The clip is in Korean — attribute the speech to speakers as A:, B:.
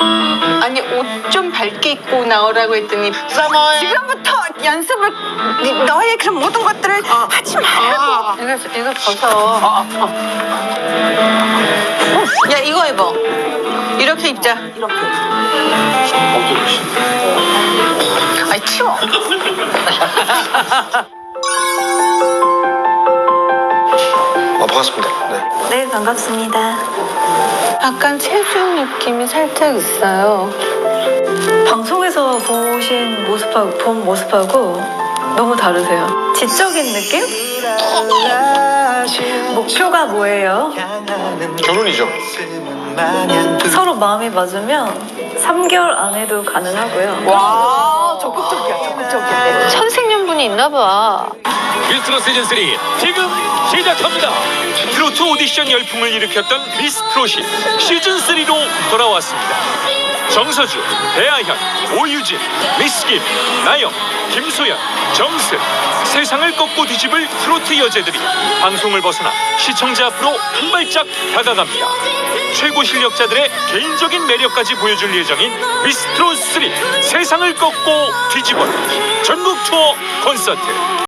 A: 아니 옷 좀 밝게 입고 나오라고 했더니 지금부터 연습을 너의 그런 모든 것들을 하지 말고 이거 벗어. 야 이거 입어. 이렇게 입자. 이렇게. 아이 치워.
B: 반갑습니다.
C: 네, 반갑습니다.
A: 약간 체중 느낌이 살짝 있어요.
C: 방송에서 본 모습하고 너무 다르세요. 지적인 느낌? 목표가 뭐예요?
B: 결혼이죠.
C: 서로 마음이 맞으면 3개월 안에도 가능하고요.
A: 와 적극적이야 적극적이야. 천생연분이 있나 봐.
D: 미스트롯 시즌3 지금 시작합니다. 트로트 오디션 열풍을 일으켰던 미스트롯이 시즌3로 돌아왔습니다. 정서주, 배아현, 오유진, 미스김, 나영, 김소연, 정슬 세상을 꺾고 뒤집을 트로트 여제들이 방송을 벗어나 시청자 앞으로 한 발짝 다가갑니다. 최고 실력자들의 개인적인 매력까지 보여줄 예정인 미스트롯3 세상을 꺾고 뒤집어 전국 투어 콘서트